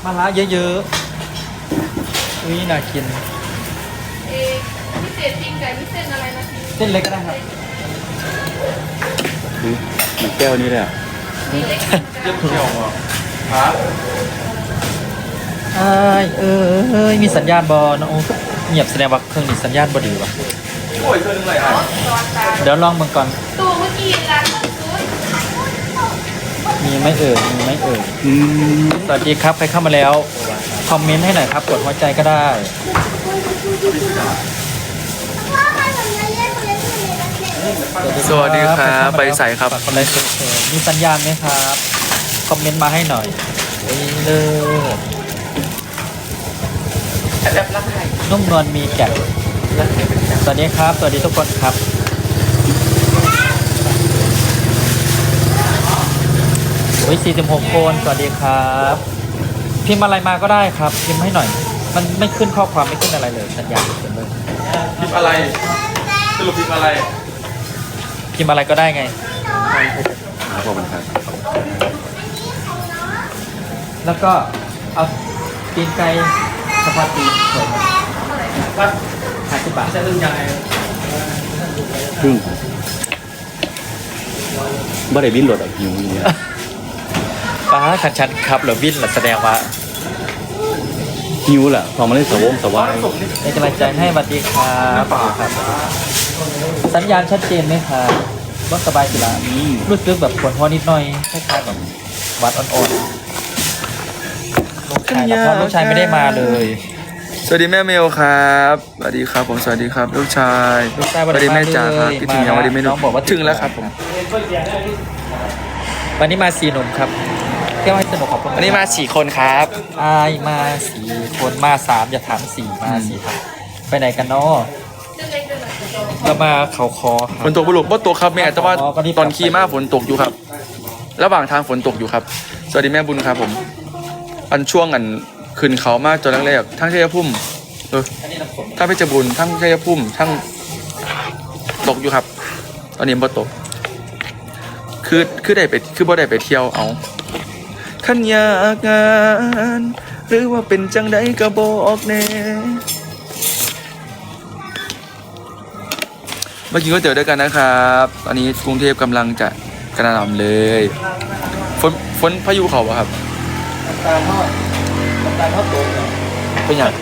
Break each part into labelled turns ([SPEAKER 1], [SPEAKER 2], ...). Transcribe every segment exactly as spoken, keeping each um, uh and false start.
[SPEAKER 1] มาละเยอะๆอุ้ยน่ากิน
[SPEAKER 2] เอพิเศษจริงไก่พิเศษอะไรนะพี่
[SPEAKER 1] เส้นเล็กก็ได้ครับ
[SPEAKER 3] มันแก้วนี้เลยอ่ะ
[SPEAKER 2] นี่เล็ก
[SPEAKER 3] เจ็บเที่ยวอ่ะครับ
[SPEAKER 1] เอ้ยเอ้ยมีสัญญาณบอน้องโอ้เงียบแสดงว่าเครื่องนี้สัญญาณบอดีว่ะ
[SPEAKER 3] โอ้ยเครื่องนึงเลยอ่ะ
[SPEAKER 1] เดี๋ยวลองมันก่อน
[SPEAKER 2] ตัวเมื่อกี้ร้านมันซุย
[SPEAKER 1] มีไหมเอ่ยมีไหมเอ่ยสวัสดีครับใครเข้ามาแล้วคอมเมนต์ให้หน่อยครับกดหัวใจก็ได้
[SPEAKER 3] สวัสดีครับไปใส่ครับ
[SPEAKER 1] คนไรสดมีสัญญาณไหมครับคอมเมนต์มาให้หน่อยเฮ้ยเลิศนุ่มนวลมีแก่นสวัสดีครับสวัสดีทุกคนครับโอ้ยสี่สิบหกคนสวัสดีครับพิมพ์อะไรมาก็ได้ครับพิมพ์ให้หน่อยมันไม่ขึ้นข้อความไม่ขึ้นอะไรเลยสัญญาณเต็มเลย
[SPEAKER 3] พิมพ์อะไรสรุปพิมพ์อะไร
[SPEAKER 1] พิมพ์อะไรก็ได้ไง
[SPEAKER 3] ขอบคุณครับ
[SPEAKER 1] แล้วก็เอาตีนไก่สปาตีสวยไหมก็ห้าสิบบาทจะเรื่องยังไง
[SPEAKER 3] ครึ่งบ่ได้บินรถอ่ะหิวเนี่ย
[SPEAKER 1] ป้าขันชันครับหรือบินหรือแสดงว่า
[SPEAKER 3] หิวแหละพอมาเล่นสวงสวาย
[SPEAKER 1] เป็นกำลังใจให้สวัสดีครับสัญญาณชัดเจนไหมครับรถสบายสิละรู้สึกแบบปวดหัวนิดหน่อยคล้ายๆแบบวัดอ่อนๆลูกชายเพราะลูกชายไม่ได้มาเลย
[SPEAKER 3] สวัสดีแม่เมลครับสวัสดีครับผมสวัสดีครับลูกชายสวัสดีแม่จ๋าครับพี่ถึงยังวันนี้ไม่รู้ถึงแล้วครับผม
[SPEAKER 1] วันนี้มาสี่หนุ่มครับเที่ยวให้สนุกขอบคุณ
[SPEAKER 3] วันนี้มาสี่คนครับ
[SPEAKER 1] อายมาสี่คนมาสามอย่าถามสี่มาสี่ครับไปไหนกันเนาะเรามาเขาคอ
[SPEAKER 3] ฝนตกบุรุษบ่ตกครับแม่แต่ว่าตอนขี่มาฝนตกอยู่ครับระหว่างทางฝนตกอยู่ครับสวัสดีแม่บุญครับผมอันช่วงอันขึ้นเขามากจนแรกๆทั้งชัยภูมิเออทั้งเพชรบุรีทั้งชัยภูมิทั้งตกอยู่ครับตอนนี้บ่ตกคือคือได้ไปคือบ่ได้ไปเที่ยวเอาขันอยากงานหรือว่าเป็นจังใดก็บอกแน่เมื่อกี้ก็เจอด้วยกันนะครับตอนนี้กรุงเทพกำลังจะกระหน่ำเลยฝนฝนพายุเขาอะครับ
[SPEAKER 1] ตาทอดตาทอดโต
[SPEAKER 3] เป็นอย่าง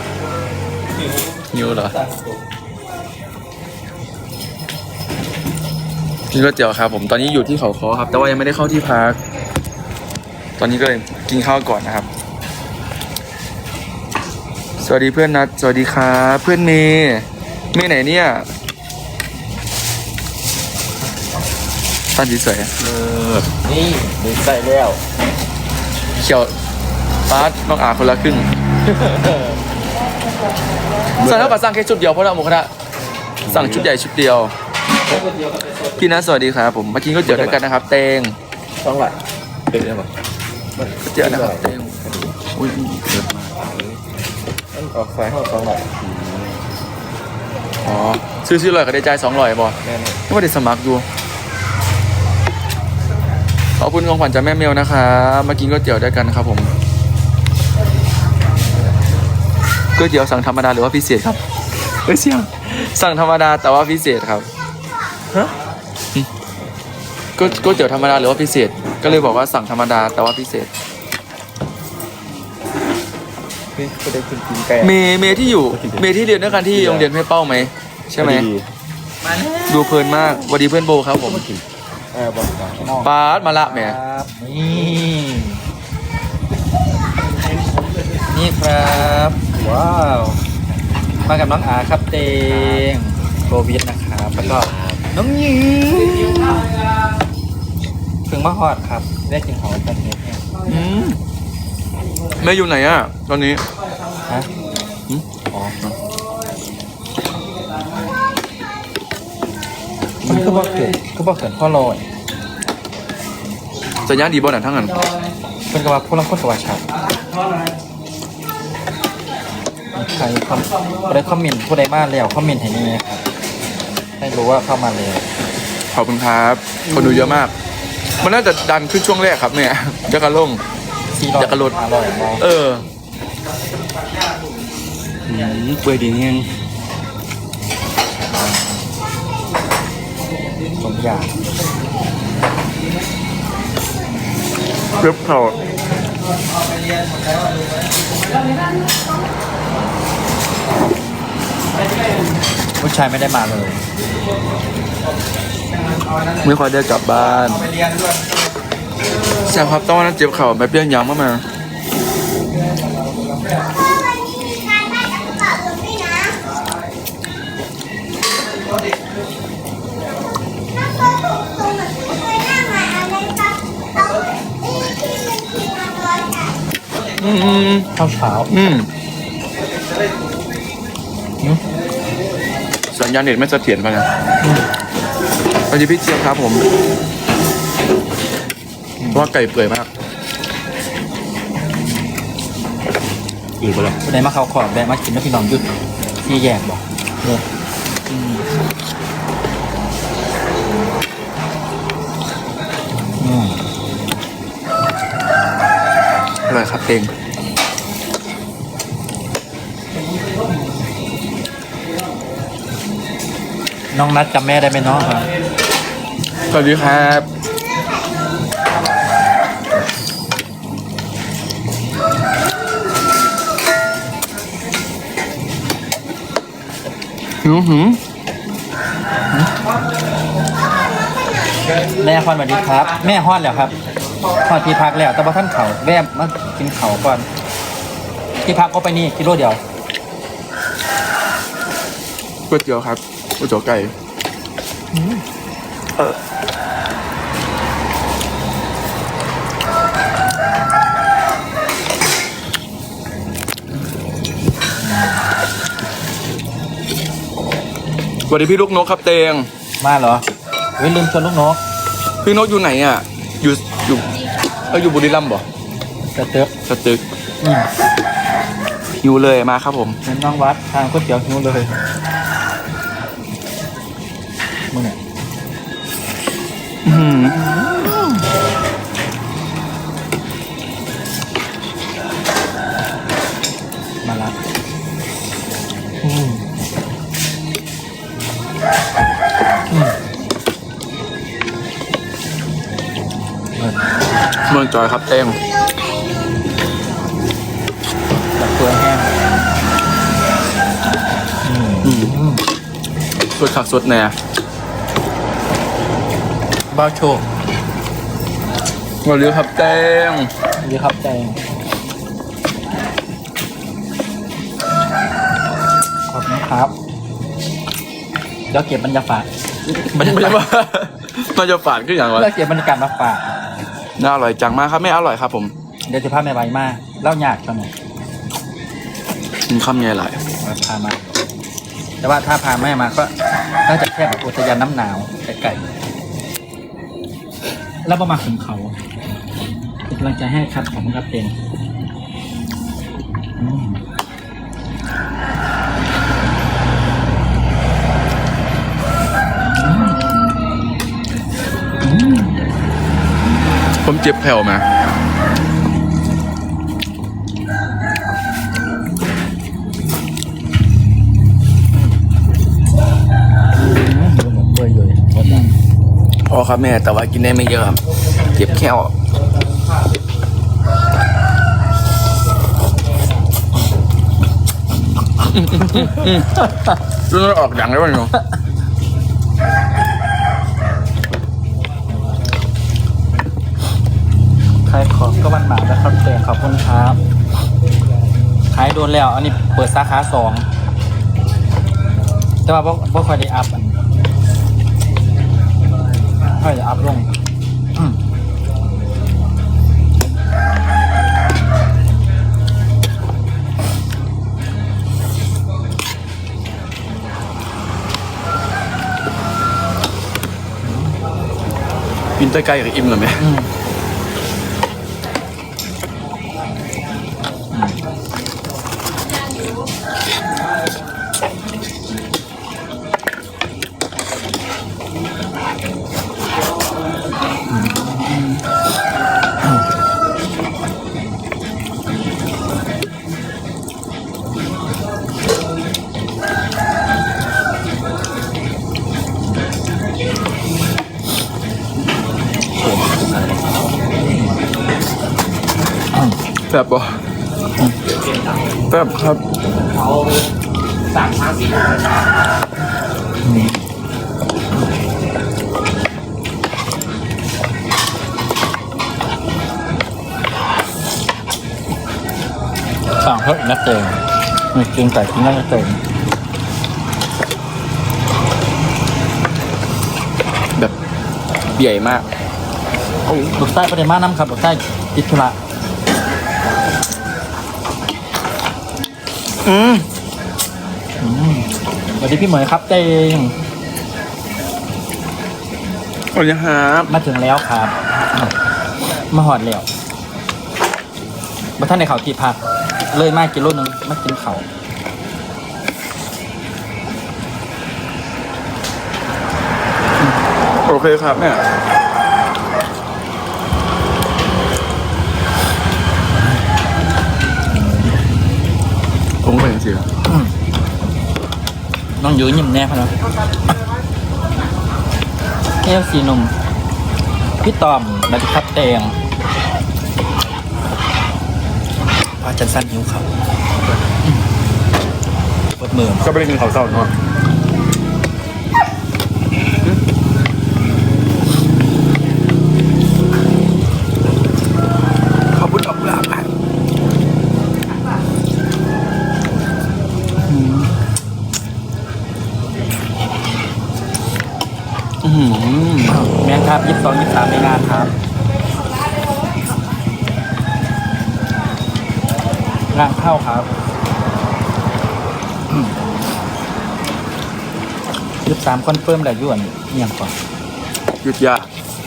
[SPEAKER 3] หิวเหรอกินก๋วยเตี๋ยวครับผมตอนนี้อยู่ที่เขาค้อครับแต่ว่ายังไม่ได้เข้าที่พักตอนนี้ก็เลยกินข้าวก่อนนะครับสวัสดีเพื่อนนัดสวัสดีครับเพื่อนเมย์เมย์ไหนเนี่ยตั้นสีสวย
[SPEAKER 1] เออนี่ดีใจแล้ว
[SPEAKER 3] เขียวฟาดน้องอาคนละครึ่งสั่งเท่ากับสั่งแค่ชุดเดียวเพราะเราหมูกระทะสั่งชุดใหญ่ชุดเดียวพี่นัทสวัสดีครับผมมากินก๋วยเตี๋ยวด้วยกันนะครับเตง
[SPEAKER 1] สองหลักเป็นยังไง
[SPEAKER 3] ก๋วยเตี๋ยวนะครับเตงอุ้ยเดือดมาก
[SPEAKER 1] นั่นออกสายห้องสองหลัก
[SPEAKER 3] อ๋อซื้อซื้อลอยก็ได้ใจสองลอยบ่ไม่ว่าได้สมัครอยู่ขอบคุณของขวัญจากแม่เมลนะครับมากินก๋วยเตี๋ยวด้วยกันครับผมก๋วยเตี๋ยวสั่งธรรมดาหรือว่าพิเศษครับเอ้ยเสี่ยงสั่งธรรมดาแต่ว่าพิเศษครับฮะก๋วยเตี๋ยวธรรมดาหรือว่าพิเศษก็เลยบอกว่าสั่งธรรมดาแต่ว่าพิเศษเมย์เมย์ที่อยู่เมย์ที่เรียนด้วยกันที่โรงเรียนแม่เป้าไหมใช่ไหมดูเพลินมากสวัสดีเพื่อนโบครับผมปาดมาละแม่
[SPEAKER 1] นี่นี่ครับว้าวมากับน้องอาครับเตงโควิดนะครับแล้วก็น้องยิงถึงมาฮอดครับได้กินของกันเนี่ย
[SPEAKER 3] แม่อยู่ไหนอ่ะตอนนี้
[SPEAKER 1] ฮะอ๋อมันคือบอกเกิดคือบอกเกิดพ่อลอย
[SPEAKER 3] สัญญาณดีบ่หนังทั้งนั้น
[SPEAKER 1] เป็นกระบะพวกเราคนสวัสดิ์ครับใครคอมได้คอมเมนต์ผู้ใดมาแล้วคอมเมนต์ให้นี่ครับให้รู้ว่าเข้ามาเลย
[SPEAKER 3] ขอบคุณครับคนดูเยอะมากมันน่าจะดันขึ้นช่วงแรกครับเนี่ยจะกระลง
[SPEAKER 1] สี่ร้อย
[SPEAKER 3] อยากกระโดด
[SPEAKER 1] ห้าร้อยมอง
[SPEAKER 3] เอออืมเปื่อยดีนี่ยัง
[SPEAKER 1] สมอยาก
[SPEAKER 3] เรียบเขา
[SPEAKER 1] ผู้ชายไม่ได้มาเลย
[SPEAKER 3] ไม่ค่อยได้กลับบ้านแซวครับต้องวันนั้นเจ็บเข่าแบบเปี้ยนยางมากมา อืมอืม
[SPEAKER 1] ข้าวเช้า
[SPEAKER 3] อืม
[SPEAKER 1] อืม
[SPEAKER 3] สัญญาณเน็ตไม่เสถียรป่ะเนี่ยสวัสดีพี่เจี๊ยบครับผมว่าไก่เปื่อยมาก
[SPEAKER 1] อีกแล้ววันไหนมาเขาขอบแบะมากินแล้วพี่น้องหยุดที่แยกบอกเนี่ยอืมอืม
[SPEAKER 3] อร่อยครับเต็ง
[SPEAKER 1] น้องนัดจำแม่ได้ไหมน้องครับ
[SPEAKER 3] สวัสดีครับหืมหืม
[SPEAKER 1] แม่ฮอนสวัสดีครับ แม่ฮอนแล้วครับฮอนที่พักแล้วแต่ว่าท่านเขาแวะมากินเขาก่อนที่พักก็ไปนี่กิโลเดียว
[SPEAKER 3] ก๋วยเตี๋ยวครับก๋วยเตี๋ยวไก่เออสวัสดีพี่ลูกนกครับเตง
[SPEAKER 1] มาเหรอเว้ยลืมชวนลูกนก
[SPEAKER 3] พี่นกอยู่ไหนอ่ะ อยู่อยู่เอออยู่บุรีรัมย์บ่
[SPEAKER 1] จะเต๊ก
[SPEAKER 3] สตึก
[SPEAKER 1] อืม
[SPEAKER 3] อยู่เลยมาครับผม
[SPEAKER 1] เป็นน้องวัดทางก๋วยเตี๋ยวหิวเลยมึงเนี่ย
[SPEAKER 3] อื้อหือ
[SPEAKER 1] มาละอืมอืมเออ
[SPEAKER 3] เมืองจอยครับเตง
[SPEAKER 1] แบบเปลือยแห้งอืม
[SPEAKER 3] อืมสดขักสดแน่
[SPEAKER 1] บ้าโชค
[SPEAKER 3] สวัสดีครับเตง
[SPEAKER 1] ดีครับแจงขอบคุณครับเดี๋ยวเก็บบรรยากาศ
[SPEAKER 3] มันจะว่ามันจะฝาดขึ้นอย่างวะ
[SPEAKER 1] เดี๋ยวเก็บบรรยากาศมาฝาก
[SPEAKER 3] น่าอร่อยจังมากครับไม่อร่อยครับผม
[SPEAKER 1] เดี๋ยวจะพาแม่ใบมาเล่าหยาดกันหน่อย
[SPEAKER 3] กินข้าวไงหลาย
[SPEAKER 1] เอาพามา แต่ว่าถ้าพาแม่มาก็น่าจะแค่แบบอุทยานน้ำหนาวไก่ๆแล้วประมาณถึงเขาเป็นกำลังใจให้ครับผมครับเต็มอืม
[SPEAKER 3] ผมเจ็บแผ่วมา
[SPEAKER 1] เปื่อยอยู่หมดแล้ว
[SPEAKER 3] พอครับแม่แต่ว่ากินได้ไม่เยอะครับเจ็บแค่วรู้ว่าออกดังได้ป่ะเนาะ
[SPEAKER 1] ขายของก็มันหมาแล้วครับเต็มขอบคุณครับขายโดนแล้ว อันนี้เปิดสาขาสองแต่ว่าบ่ค่อยได้อัพอันค่อยจะอัพลงอืม
[SPEAKER 3] กินใกล้ๆกับอิ่มเลยไหม
[SPEAKER 1] อืม
[SPEAKER 3] แบบบ่แบบครับ
[SPEAKER 1] เอาสามครั้งสี่สั่งเพิ่มนักเตงมีกินไก่กินนักเตง
[SPEAKER 3] แบบใหญ่มาก
[SPEAKER 1] ลูกไส้ประเด็นมากน้ำครับลูกไส้ติดธุระ
[SPEAKER 3] อืม
[SPEAKER 1] สวัสดีพี่เหมยครับเตง
[SPEAKER 3] สวัสดีครับ
[SPEAKER 1] มาถึงแล้วครับ มาหอดแล้วมาท่านในเขาที่พักเลยมากินรถนึงมากินเขา
[SPEAKER 3] โอเคครับเนี่ยผมก็เห็นสิ
[SPEAKER 1] น้องยืนยิ้มแน่พะเนาะเอฟซีหนุ่มพี่ตอมบัตรครับเตงพอจันสั้นหิวเขาเปิดมือ
[SPEAKER 3] ก็ไม่ได้กินข้าวเช้าเนาะขอบคุณดอกกุหลาบอ่ะอืม
[SPEAKER 1] แมนครับยี่สิบสองยี่สิบสามในงานครับงานเข้าครับยี่สิบสามคอนเฟิร์มแล้วยวนเงียบก่อน
[SPEAKER 3] หยุดยา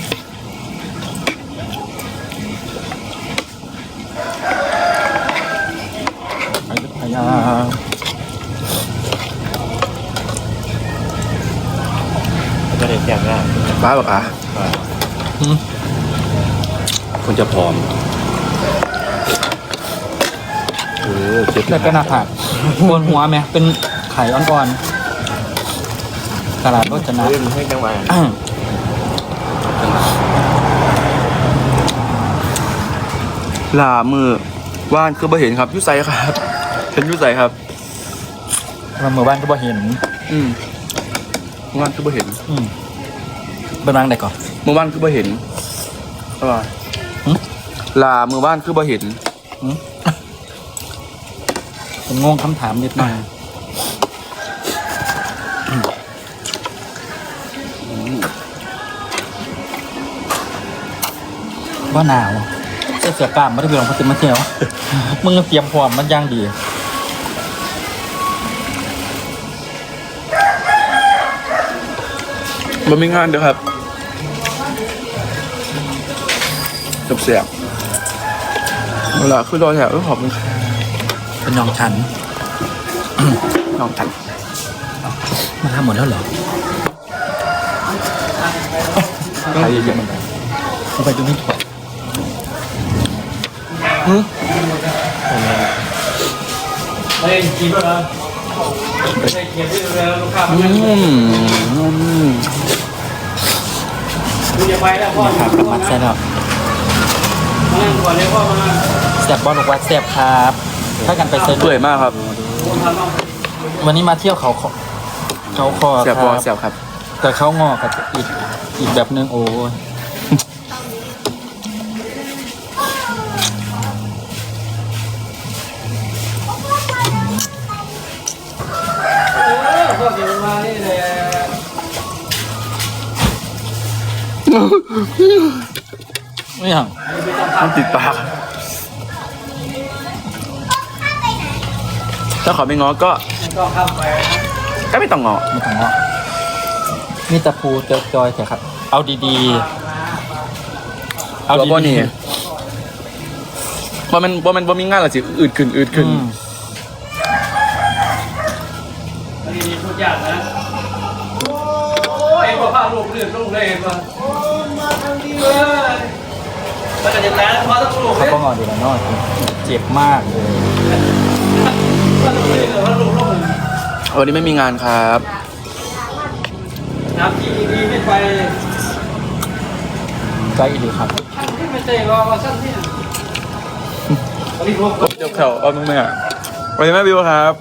[SPEAKER 1] อยุธยา
[SPEAKER 4] ก็ได้แจ้งได้
[SPEAKER 3] บ้าบอกอ่ะ
[SPEAKER 1] หืม
[SPEAKER 4] คนจะผอมเออเจ็บ
[SPEAKER 1] แล้วก็หน้าผากบนหัวไหมเป็นไข่อ่อนๆตลาดรถจะนะ
[SPEAKER 4] เล่นให้จังหวะ
[SPEAKER 3] ลามือว่านคือบ่เห็นครับอยุไซครับเห็นอยุไซครับ
[SPEAKER 1] มาเมื่อบ้านก็บ่เห็น
[SPEAKER 3] อืมว่านคือบ่เห็น
[SPEAKER 1] อืมเป็นรังไหนก่อน
[SPEAKER 3] เมื่อวานคือบ่เห็นอะไร
[SPEAKER 1] หึ
[SPEAKER 3] ลาเมื่อวานคือบ่เห็น
[SPEAKER 1] หืมผมงงคำถามนิดหน่อยว่าหนาวเสื้อเสือกล้ามไม่ได้ไปลองพัดมาเที่ยว มึงเตรียมพร้อมมันย่างดี
[SPEAKER 3] มันมีงานเด้อครับจบเสียบเวลาคือรอแถวเออขอบคุณครับ
[SPEAKER 1] เป็นน้องฉัน
[SPEAKER 3] น้องทัน
[SPEAKER 1] มาทำหมดแล้วเหรอ
[SPEAKER 3] ใครเยอะมัน
[SPEAKER 1] ไปดูนี่ถั่ว เฮ้ยกินแล้วนะไม่ใช่เขียนที่เรือลูกค้า
[SPEAKER 3] อืมอืม
[SPEAKER 1] คุณจะไปแล้วพ่อครับมัดใส่แล้วมานั่งก่อนเลยพ่อมาแซ่บบอลบอกว่าแซ่บครับถ้ากันไปเซ็น
[SPEAKER 3] เปื่อยมากครับ
[SPEAKER 1] วันนี้มาเที่ยวเขาคอเขาคอ
[SPEAKER 3] เสียบ
[SPEAKER 1] ค
[SPEAKER 3] พอ
[SPEAKER 1] รับ
[SPEAKER 3] เสียบครับ
[SPEAKER 1] แต่เขางอกับอีกอีกแบบนึงโอ้ยพ่อเดี๋ยวมานี่เลยไม่อย่าง
[SPEAKER 3] มันติดปากถ้าขอไม่ง้อก็
[SPEAKER 1] ก็ข้ามไป
[SPEAKER 3] ก็ไม่ต้องง้อ
[SPEAKER 1] ไม่ต้องงอมีตะปูเจอจอยเถอะครับ เอาดีๆ เอา
[SPEAKER 3] ตัว
[SPEAKER 1] ดี
[SPEAKER 3] บอนี่ว่ามันว่ามันว่ามีงานหรอสิอืดขึ้นอืดขึ้น
[SPEAKER 1] อืม
[SPEAKER 5] อันนี้พูดยากนะโอ้ยพ่อพาลูกเลื่อนลูกเลยมาโอ้มาทางนี้เลยมันก็จะตายแล้วพอต้องลูก
[SPEAKER 1] เขา
[SPEAKER 5] เลย
[SPEAKER 1] ก็งอดีแล้วเนาะเจ็บมากเลย
[SPEAKER 5] มันลูกเลยมันลูกลูก
[SPEAKER 3] วันนี้ไม่มีงานครับ
[SPEAKER 5] น้ำที่ดีไม่ไป
[SPEAKER 1] ใกล้ดีครับ
[SPEAKER 5] ที่ไม่ใช่ว่าว่าสั้นที่
[SPEAKER 3] เดี๋ยวแถวเอามึงแม่ไปแม่บิวครับ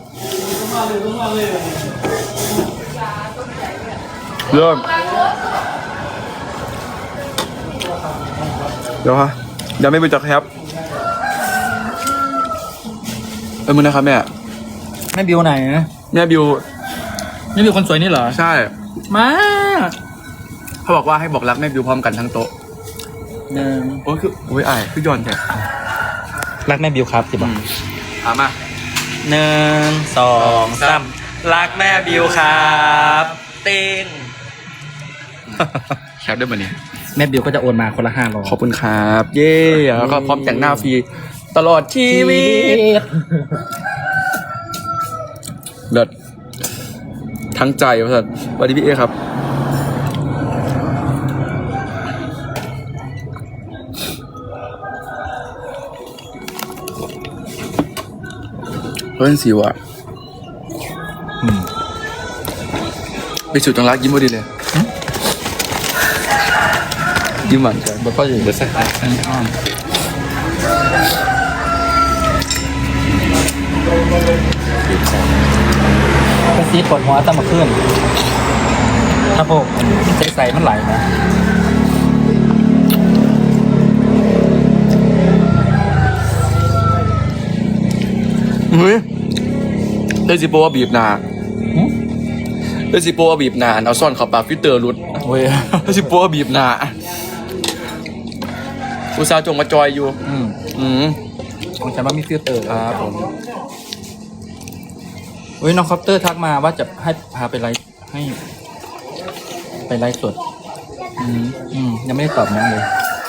[SPEAKER 3] เริ่มเดี๋ยวฮะเดี๋ยวไม่ไปจักครับเออมึงนะครับแม่
[SPEAKER 1] แม่บิวไหน
[SPEAKER 3] แม่บิว
[SPEAKER 1] แม่บิวคนสวยนี่เหรอ
[SPEAKER 3] ใช่
[SPEAKER 1] มา
[SPEAKER 3] เขาบอกว่าให้บอกรักแม่บิวพร้อมกันทั้งโต๊ะ
[SPEAKER 1] หนึ่ง
[SPEAKER 3] โอ้ยคือโอ้ยอายคือย้อนแท้
[SPEAKER 1] รักแม่บิวครับสิบ
[SPEAKER 3] อื
[SPEAKER 1] บาท
[SPEAKER 3] มอ่ะมา
[SPEAKER 1] หนึ่งสองสามรักแม่บิวครับเต้ง
[SPEAKER 3] แคปได้ป่ะเนี่ย
[SPEAKER 1] แม่บิวก็จะโอนมาคนละห้าร้อย
[SPEAKER 3] ขอบคุณครับ เย้แล้วก็พร้อมแต่งหน้าฟรีตลอดชีวิตเลิศทั้งใจว่าสัตว์สวัสดีพี่เอครับเพื่อนสิวะไปสุดตรงรักยิ้มพอดีเลยยิ้มหวานใจ
[SPEAKER 1] แล้วก็อยู่
[SPEAKER 4] เบอร์สัก
[SPEAKER 1] กระซีปวดหัวตั้งมาขึ้นถ้าพวกใส่ใส่มันไหลนะ
[SPEAKER 3] เฮ้ยได้สิโปว่าบีบหนาได้สิโปว่าบีบหนาเอาซ่อนเข้าปากฟิลเตอร์รุด
[SPEAKER 1] โอ้ย
[SPEAKER 3] ได้สิโปว่าบีบหนาอุตส่าห์จงมาจอยอยู่
[SPEAKER 1] อืม
[SPEAKER 3] อืม
[SPEAKER 1] ของฉันว่ามีฟิลเตอร์ครับผมเฮ้ยน้องคอปเตอร์ทักมาว่าจะให้พาไปไลฟ์ให้ ไปไลฟ์สด อืมอืมยังไม่ได้ตอบน้องเลย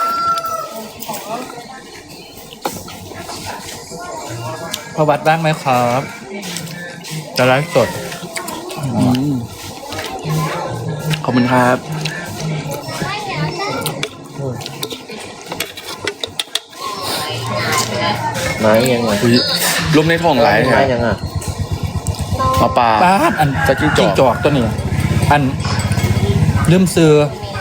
[SPEAKER 1] พอวัดบ้างไหมครับจะไลฟ์สด
[SPEAKER 3] อืมขอบคุณครับ
[SPEAKER 4] ไม้ยังไง
[SPEAKER 3] อุ๊ยลมในท้องไหล
[SPEAKER 4] ไม้
[SPEAKER 3] ฮะ
[SPEAKER 4] ยังอ่ะ
[SPEAKER 3] มาปลา
[SPEAKER 1] ป้าดอัน
[SPEAKER 3] จะจิ้งจอก
[SPEAKER 1] จอกตัวนี้ อันลืมซื้อ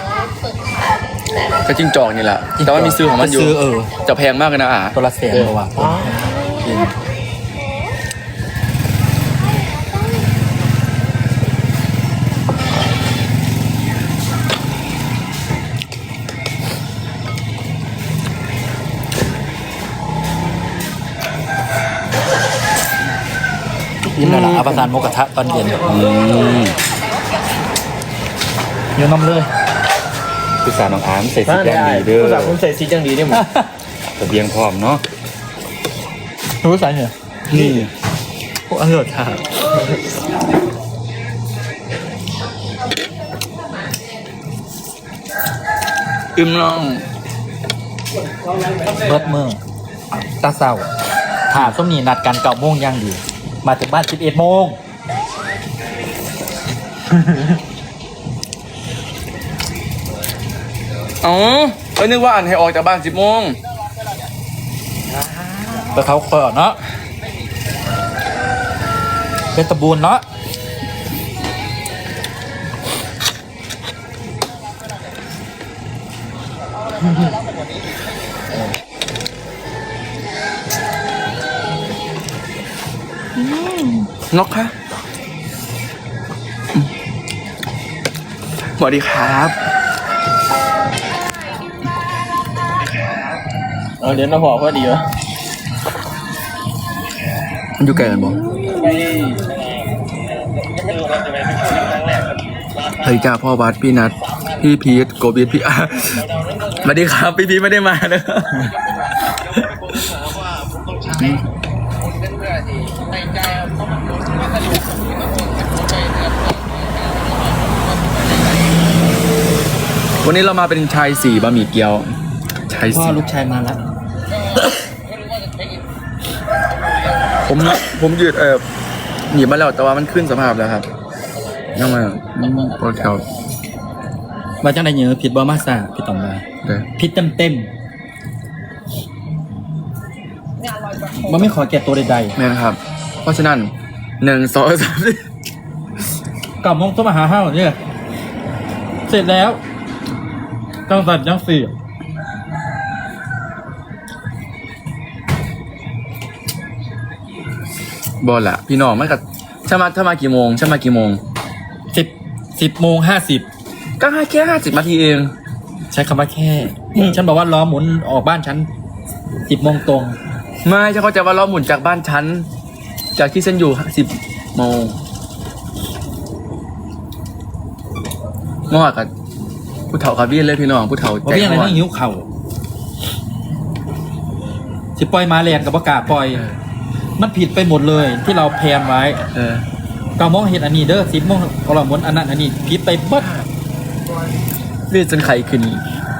[SPEAKER 3] ก็จิ้งจอกนี่แหละแต่ว่ามีซื้อของมันอยู่
[SPEAKER 1] ซื้อเออ
[SPEAKER 3] จะแพงมากเลยนะอ่ะ
[SPEAKER 1] ตัวละแสนกว่าบาทจริง ยิ้มแล้วนะอาประสานโมกระทะตอนเย็น
[SPEAKER 3] อืม
[SPEAKER 1] เยอะน้ำเลย
[SPEAKER 4] คือสารน้องอาร์มใส่สีแดงดีเด้อ
[SPEAKER 5] ภาษาผมใส่สีจังดีเนี่ยมึง
[SPEAKER 4] ทะเบียงพร้อมเนาะ
[SPEAKER 1] รู้สายเหรอนี่พวกอร่อยค่ะ
[SPEAKER 3] อึมน้อง
[SPEAKER 1] เบิดเมืองตาเศร้าถามส้มนี่นัดกันเก้าโมงย่างดี มาถึงบ้านสิบเอ็ดโมง
[SPEAKER 3] อ๋อเอ้ยนึกว่าอันให้ออกจากบ้านสิบโมง
[SPEAKER 1] ไปเขาเปิดเนาะเป็นตะบูนเนาะ
[SPEAKER 3] นกคะสวัสดีครับ
[SPEAKER 5] เออเดี๋ยวน้าพอพอดีวะ
[SPEAKER 3] มันอยู่ไกลกันบ่เฮ้ยจ้าพ่อบัสพี่นัทพี่พีทโกบีทพี่อาร์สวัสดีครับพี่พีทไม่ได้มาเนอะวันนี้เรามาเป็นชายสี่บะหมี่เกี๊ยวชาย
[SPEAKER 1] พ่อ
[SPEAKER 3] สี่
[SPEAKER 1] ลูกชายมาแล้ว
[SPEAKER 3] ผมผมยืดเออหนีบมาแล้วแต่ว่ามันขึ้นสภาพแล้วครับนั่งมาโปรแถว
[SPEAKER 1] มาจังไดเยอะผิดบอมาซ่าพี่ต่อมมา
[SPEAKER 3] เด้อ
[SPEAKER 1] ผิดเต็มเต็มมันไม่ขอแก่ตัวใด
[SPEAKER 3] แม่นะครับ เพราะฉะนั้นหนึ่งสองสามสี่
[SPEAKER 1] ๆกลับมงต้องมาหาห้าวเนี่ยเสร็จแล้วจังสันจังสี่
[SPEAKER 3] บอลละพี่น้องไม่กับถ้ามาถ้ามากี่โมงถ้ามากี่โมง
[SPEAKER 1] สิบสิบโมงห้าสิบ
[SPEAKER 3] ก็ให้แค่ห้าสิบนาทีเอง
[SPEAKER 1] ใช้คำว่าแค่อืมฉันบอกว่าล้อหมุนออกบ้านฉันสิบโมงตรง
[SPEAKER 3] ไม่ฉันเข้าใจว่าเราหมุนจากบ้านฉันจากที่ฉันอยู่สิบโมงเมื่อวานกับผู้เฒ่าคาเบียนเลยพี่น้องผู้เฒ่า
[SPEAKER 1] เพราะพี่อะไร
[SPEAKER 3] ม่ว
[SPEAKER 1] นั่งหิวเข่าสิปล่อยมาเรียนกับประกาศปล่อย มันผิดไปหมดเลยที่เราแพลนไว้
[SPEAKER 3] เออ
[SPEAKER 1] เก้าโมงเห็นอันนี้เด้อสิบโมงก็เราหมุนอันนั้นอันนี้ผิดไปเบิด
[SPEAKER 3] เลื่อนจนไข่ขึ้น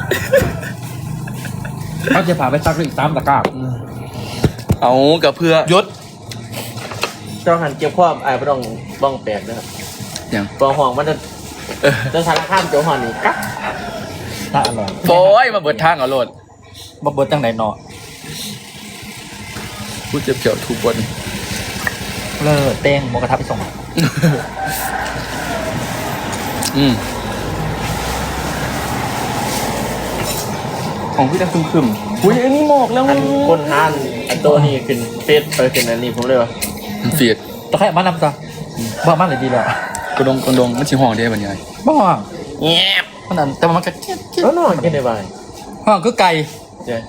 [SPEAKER 1] เขาจะพาไปซักอีกสามตะกร้า
[SPEAKER 3] เอากับเพื่อย
[SPEAKER 1] ศ
[SPEAKER 5] เจ้าหันเกี่ยวความไอ้ไม่ต้องบ้องแปลกนะครับ
[SPEAKER 3] อย่าง
[SPEAKER 5] ตัวห่องมันจะ
[SPEAKER 3] เออ
[SPEAKER 5] จะสารข้ามเจ้าห่องนี่กั๊ก
[SPEAKER 1] ถ้าอร่อย
[SPEAKER 3] โอ้ยมาเบิดทางเอาโลด
[SPEAKER 1] บ่เบิดจังไหนเนาะ
[SPEAKER 3] พูดเจ็บเกี่ยวทุกคน
[SPEAKER 1] เลิศเต้งหมกระทะไปส่ง
[SPEAKER 3] อืมของพี่ดังคึมๆอุ้ยอันนี้หมอกแล้ว
[SPEAKER 5] อันคนทานไอ้ตัวนี้ขึ้นเฟซไปขึ้นอันนี้ผมเลยว่า
[SPEAKER 3] เฟียด
[SPEAKER 1] ตะไคร้มานำซะบ้ามันเลยดีแล้ว
[SPEAKER 3] กระดงกระดงมันชิห้องได้บรรยาย
[SPEAKER 1] บ้า
[SPEAKER 5] แง่บ
[SPEAKER 1] มันนั่นแต่ว่ามันก็เจี๊ยบเจี๊ยบ
[SPEAKER 5] แล้วนอนกินได้บ้าง
[SPEAKER 1] ห้องคือไก่
[SPEAKER 5] เจ๊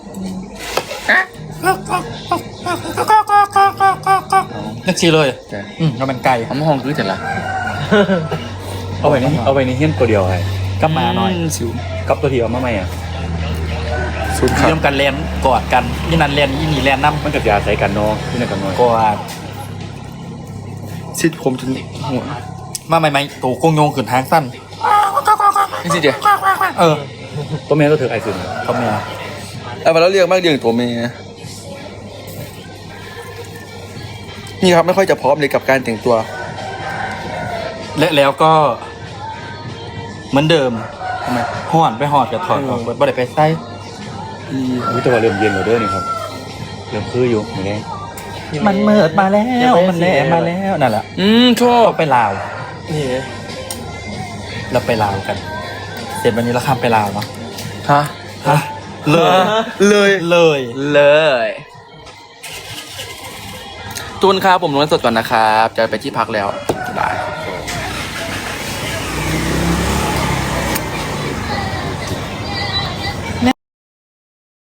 [SPEAKER 1] นักชีเลย
[SPEAKER 3] แต่
[SPEAKER 1] อืมเราเป็นไก่
[SPEAKER 3] เขามาห้องคือแต่ละ
[SPEAKER 4] เอาไว้ในเอาไว้ในเฮี้ยนตัวเดียวไง
[SPEAKER 1] ก็มาหน่อย
[SPEAKER 3] สิว
[SPEAKER 4] กับตัวที่เอามาใหม่อ่ะ
[SPEAKER 3] สุดครับ
[SPEAKER 1] เริ่มกันเล่นกอดกันนี่นั่นเล่นยี่นี่เล่นน้
[SPEAKER 4] มันกับยาใส่กันเนาะที่นั่นกันหน่อย
[SPEAKER 1] ำกอด
[SPEAKER 3] ซิดผมจนหัว
[SPEAKER 1] มาใหม่ๆตัวโกงโยงขึ้นทางสั้น
[SPEAKER 3] นี่สิเดียว
[SPEAKER 1] เออ
[SPEAKER 4] ตัวแม่ตัวเธอไอ้ซึน
[SPEAKER 1] เขาเมีย
[SPEAKER 3] เอาไปแล้วเรียกมากเรียงตัวเมย์นี่ครับไม่ค่อยจะพร้อมเลยกับการแต่งตัว
[SPEAKER 1] และแล้วก็ เหมือนเดิม
[SPEAKER 3] ทำไม
[SPEAKER 1] ห่อนไปหอดกับถอดออกบ่ได้ไปใส่
[SPEAKER 3] อี
[SPEAKER 4] อุ้ยแต่ว่าเริ่มเย็นแล้วเด้อนี่ครับเริ่มคืออยู่อย่างนี้
[SPEAKER 1] มันเมิดมาแล้วมันแหลมมาแล้วนั่นแหละ
[SPEAKER 3] อืมชอบ
[SPEAKER 1] เราไปลาว
[SPEAKER 5] นี่
[SPEAKER 1] เราไปลาวกัน เสร็จวันนี้เราข้ามไปลาวเนาะ
[SPEAKER 3] ฮะ
[SPEAKER 1] ฮะเลย
[SPEAKER 3] เลย
[SPEAKER 1] เลย
[SPEAKER 3] เลยตูนครับผมลงสดก่อนนะครับ จะไปที่พักแล้วได้
[SPEAKER 5] โอ